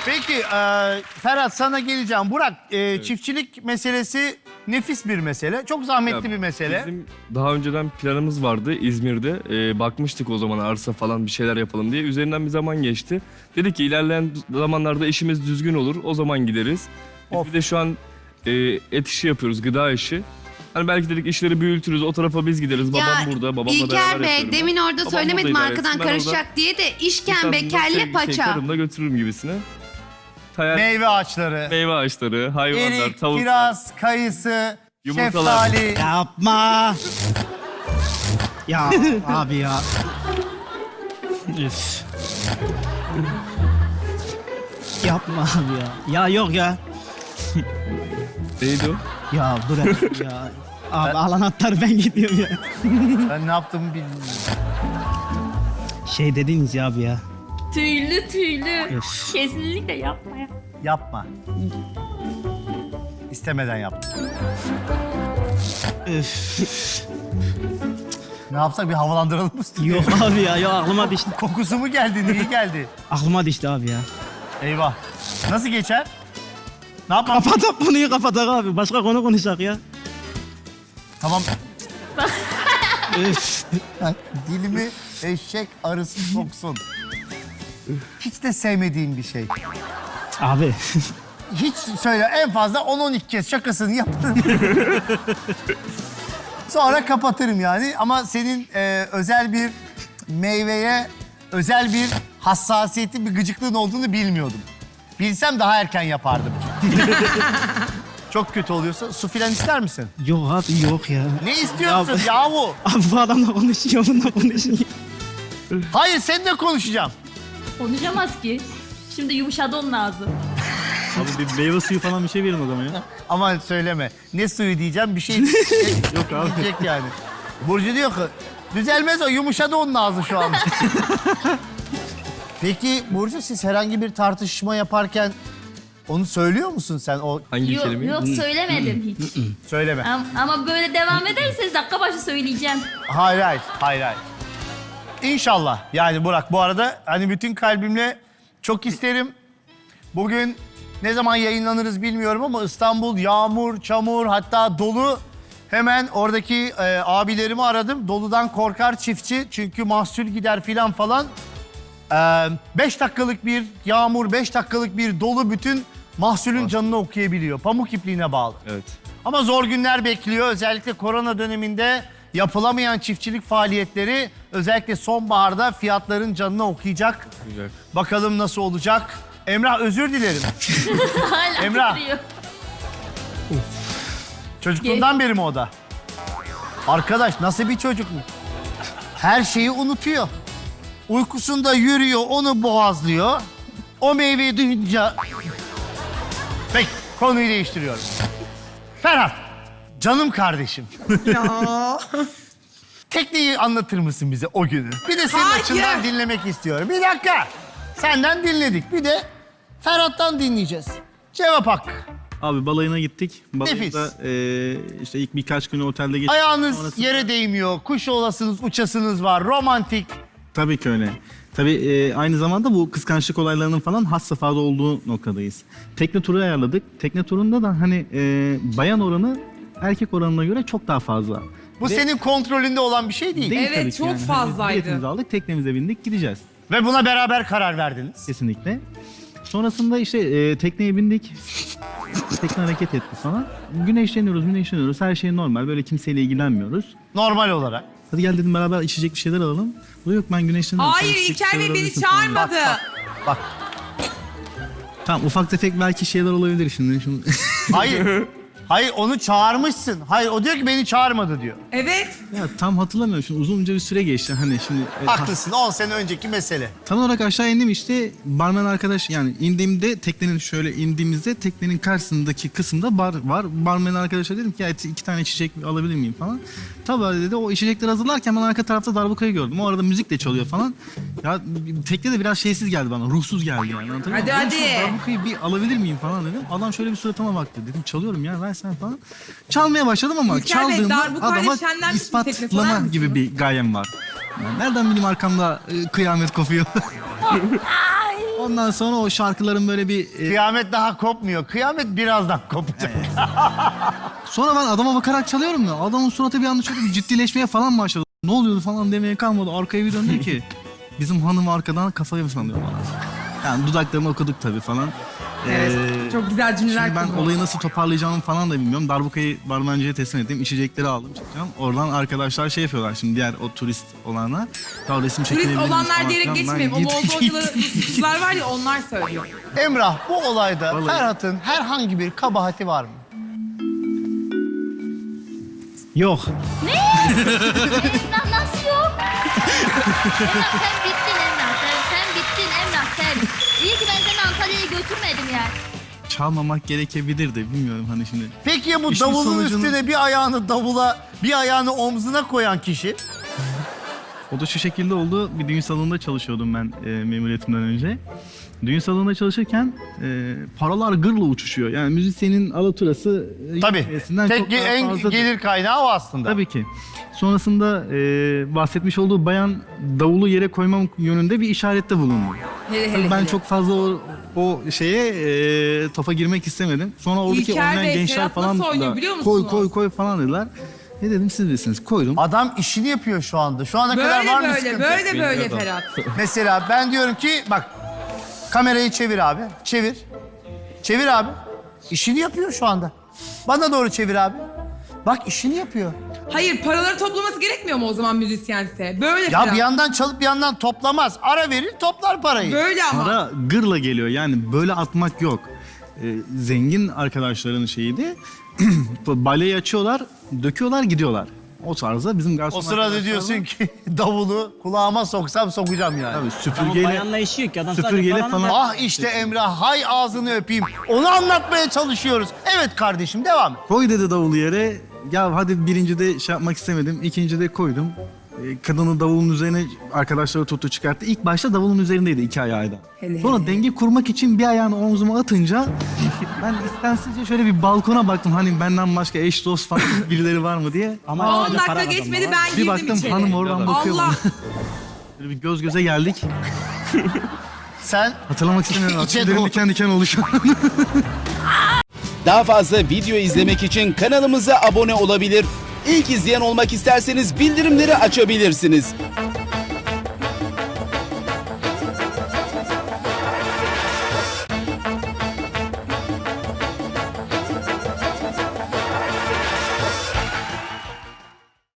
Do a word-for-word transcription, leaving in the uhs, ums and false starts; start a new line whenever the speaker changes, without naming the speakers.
Peki e, Ferhat sana geleceğim. Burak e, evet. Çiftçilik meselesi nefis bir mesele. Çok zahmetli
Ya,
bir mesele.
Bizim daha önceden planımız vardı İzmir'de. Ee, bakmıştık o zaman arsa falan bir şeyler yapalım diye. Üzerinden bir zaman geçti. Dedik ki ilerleyen zamanlarda işimiz düzgün olur. O zaman gideriz. Biz
Of.
bir de şu an e, et işi yapıyoruz, gıda işi. Hani belki dedik işleri büyütürüz, o tarafa biz gideriz.
Ya,
Babam burada, babamla
İlker
beraber
Bey,
yapıyorum.
demin orada
Babam
söylemedim
burada idare
arkadan
etsin, ben
karışacak
orada
diye de işkembe,
İstanbul'da
kelle,
şey-
paça.
Şey, karımla götürürüm gibisine. Hayal, meyve.
Meyve ağaçları,
ağaçları, hayvanlar,
erik,
tavuklar.
kiraz, kayısı,
Yumurtalar.
şeftali.
Yapma. Ya abi ya. Üf. Yapma abi ya. Ya yok ya.
Neydi o?
Ya bırak ya. Abi al anahtarı ben gidiyorum ya.
Ben ne yaptığımı bilmiyorum.
Şey dediniz ya abi ya.
Tüylü tüylü.
Üf.
Kesinlikle yapma ya.
Yapma. İstemeden yaptım.
Üf.
Ne yapsak bir havalandıralım mı?
Yok abi ya. Yok aklıma düştü.
Kokusu mu geldi? Niye geldi?
Aklıma düştü abi ya.
Eyvah. Nasıl geçer? Ne yapmam?
Kapat konuyu kapatak abi. Başka konu konuşak ya.
Tamam.
Üf.
Dilimi eşek arısı soksun. Hiç de sevmediğim bir şey.
Abi.
Hiç söyle en fazla on on iki kez şakasını yaparım. Sonra kapatırım yani. Ama senin e, özel bir meyveye, özel bir hassasiyeti, bir gıcıklığın olduğunu bilmiyordum. Bilsem daha erken yapardım. Çok kötü oluyorsa su filan ister misin?
Yok abi yok ya.
Ne istiyorsun
Ya-
yahu?
Abi bu adamla konuşuyor, bununla konuşuyor.
Hayır seninle konuşacağım.
Konuşamaz ki. Şimdi yumuşadı onun ağzı.
Abi bir meyve suyu falan bir şey verin o zaman ya.
Aman söyleme. Ne suyu diyeceğim bir şey
Yok abi.
diyecek yani. Burcu diyor ki düzelmez o yumuşadı onun ağzı şu an. Peki Burcu siz herhangi bir tartışma yaparken onu söylüyor musun sen o
Hangi
Yok,
kelimeyi?
yok söylemedim hiç.
söyleme.
Am- Ama böyle devam ederseniz dakika başı söyleyeceğim.
Hayır hayır hayır hayır. İnşallah yani Burak bu arada hani bütün kalbimle çok isterim. Bugün ne zaman yayınlanırız bilmiyorum ama İstanbul yağmur, çamur hatta dolu. Hemen oradaki e, abilerimi aradım. Doludan korkar çiftçi çünkü mahsul gider filan falan. E, beş dakikalık bir yağmur, beş dakikalık bir dolu bütün mahsulün canını okuyabiliyor. Pamuk ipliğine bağlı.
Evet.
Ama zor günler bekliyor. Özellikle korona döneminde yapılamayan çiftçilik faaliyetleri özellikle sonbaharda fiyatların canını okuyacak.
Güzel.
Bakalım nasıl olacak. Emrah özür dilerim.
Hala
Emrah.
titriyor.
Çocukluğundan beri mi o da? Arkadaş nasıl bir çocuk mu? Her şeyi unutuyor. Uykusunda yürüyor, onu boğazlıyor. O meyveyi duyunca... Peki, konuyu değiştiriyorum. Ferhat, canım kardeşim.
Ya.
Tekneyi anlatır mısın bize o günü? Bir de senin
Hayır.
açından dinlemek istiyorum. Bir dakika. Senden dinledik. Bir de Ferhat'tan dinleyeceğiz. Cevap hakkı.
Abi balayına gittik.
Nefis.
Balayında eee işte ilk birkaç günü otelde geçtik.
Ayağınız
Sonrasında-
yere değmiyor. Kuş olasınız, uçasınız var. Romantik.
Tabii ki öyle. Tabii eee, aynı zamanda bu kıskançlık olaylarının falan has safhada olduğu noktadayız. Tekne turu ayarladık. Tekne turunda da hani eee, bayan oranı erkek oranına göre çok daha fazla.
Bu
Ve-
senin kontrolünde olan bir şey değil.
Değil
Evet,
tabii ki
çok
yani. Hani
fazlaydı.
biletimizi aldık, teknemize bindik, gideceğiz.
Ve buna beraber karar verdiniz.
Kesinlikle. Sonrasında işte e, tekneye bindik. Tekne hareket etti falan. Güneşleniyoruz, güneşleniyoruz. Her şey normal. Böyle kimseyle ilgilenmiyoruz.
Normal olarak.
Hadi gel dedim beraber içecek bir şeyler alalım. Bu yok ben güneşleniyorum.
Hayır
Sen içecek bir
İlker
şeyler
Bey beni
alabilirsin falan.
çağırmadı.
Bak.
Tamam ufak tefek belki şeyler olabilir şimdi. şimdi.
Hayır. Hayır onu çağırmışsın. Hayır o diyor ki beni çağırmadı diyor.
Evet.
ya tam hatırlamıyorum. Şimdi uzunca bir süre geçti. Hani şimdi e, ta-
Haklısın on sene önceki mesele.
tam olarak aşağı indim işte. Barmen arkadaş yani indiğimde teknenin şöyle indiğimizde teknenin karşısındaki kısımda bar var. Barmen arkadaşa dedim ki ya iki tane içecek alabilir miyim falan. Tabii dedi o içecekleri hazırlarken ben arka tarafta darbukayı gördüm. O arada müzik de çalıyor falan. Ya tekne de biraz şeysiz geldi bana. Ruhsuz geldi yani. Anladın mı?
Hadi,
Ben
hadi.
şu darbukayı bir alabilir miyim falan dedim. Adam şöyle bir suratıma baktı. Dedim çalıyorum ya ver sen falan. Çalmaya başladım ama
İlker Bey,
çaldığımda
darbukayla
adama
şenlenmiş bir tekne sorar
ispatlama
mısınız?
gibi bir gayem var. Yani nereden bileyim arkamda e, kıyamet kopuyor. Ondan sonra o şarkıların böyle bir... e,
Kıyamet daha kopmuyor. Kıyamet birazdan kopacak.
Sonra ben adama bakarak çalıyorum ya. Adamın suratı bir anda şöyle bir ciddileşmeye falan başladı. Ne oluyordu falan demeye kalmadı. Arkaya bir döndü ki bizim hanım arkadan kafayı mı sallıyor bana. Yani dudaklarını okuduk tabii falan.
Evet,
Ee,
çok güzel cümleler
Şimdi ben
kullanıyor.
olayı nasıl toparlayacağımı falan da bilmiyorum. Darbukayı barmenciye teslim ettim. İçecekleri aldım çıkacağım. Oradan arkadaşlar şey yapıyorlar şimdi diğer o turist olanlar. Ya resim çekilebilir
Turist
miyiz
olanlar
falan
diyerek
filan. Ben
geçmeyelim. O
git-
Moldovalı Ruslar var ya onlar söylüyor.
Emrah, bu olayda
Vallahi-
Ferhat'ın herhangi bir kabahati var mı?
Yok.
Emrah nasıl yok? Emrah sen bittin Emrah. Sen, sen bittin Emrah sen. İyi ki ben seni Antalya'ya götürmedim yani.
Çalmamak gerekebilir de bilmiyorum hani şimdi.
Peki ya bu
İşin
davulun
sonucunu-
üstüne bir ayağını davula, bir ayağını omzuna koyan kişi?
O da şu şekilde oldu. Bir düğün salonunda çalışıyordum ben e, memuriyetimden önce. Düğün salonunda çalışırken e, paralar gırla uçuşuyor. Yani müzisyenin alaturası e,
Tabii.
yetmesinden
Tek
çok daha
en
fazladır.
gelir kaynağı o aslında.
Tabii ki. Sonrasında e, bahsetmiş olduğu bayan davulu yere koymam yönünde bir işarette bulundu.
Hele
Tabii
hele
ben
hele.
çok fazla o, o şeye e, topa girmek istemedim. Sonra oradaki
İlker
oynayan
Bey,
gençler
Ferhat
falan
nasıl oynuyor
da
biliyor
koy
musunuz?
koy koy falan dediler. Ne dedim siz bilirsiniz. Koydum.
Adam işini yapıyor şu anda. Şu ana kadar
Böyle
var mı
böyle
sıkıntı?
böyle böyle
Bilmiyorum.
Ferhat.
Mesela ben diyorum ki bak kamerayı çevir abi. Çevir. Çevir abi. İşini yapıyor şu anda. Bana doğru çevir abi. Bak işini yapıyor.
Hayır paraları toplaması gerekmiyor mu o zaman müzisyense? Böyle
Ya
Ferhat.
bir yandan çalıp bir yandan toplamaz. Ara verir toplar parayı.
Böyle ama.
Para gırla geliyor yani böyle atmak yok. Ee, zengin arkadaşların şeyiydi. Baleyi açıyorlar, döküyorlar, gidiyorlar. O tarzda bizim garson
O sırada
arkadaşlar
diyorsun
var.
ki davulu kulağıma soksam sokacağım yani.
Tabii
Ama
süpürgeyle,
bayanla işi yok ki adam
süpürgeyle
sadece
falan.
Ah işte Emrah, hay ağzını öpeyim. Onu anlatmaya çalışıyoruz. Evet kardeşim, devam et.
Koy dedi davulu yere. Ya hadi birinci de şey yapmak istemedim. İkinci de koydum. Ee, Kadını davulun üzerine arkadaşları tuttu çıkarttı. İlk başta davulun üzerindeydi iki ayağı da.
Hele
Sonra
hele.
denge kurmak için bir ayağını omzuma atınca ben istemsizce şöyle bir balkona baktım. Hani benden başka eş dost falan birileri var mı diye.
Ama
on
sadece para
dakika
kazanma
geçmedi
var.
ben
Bir
girdim
baktım
içeri.
hanım oradan bakıyor
Allah.
bana. Böyle bir göz göze geldik.
Sen
Hatırlamak istemiyorum.
İçe
Tüylerim
doğru.
diken diken oldu şu an.
Daha fazla video izlemek için kanalımıza abone olabilir. İlk izleyen olmak isterseniz bildirimleri açabilirsiniz.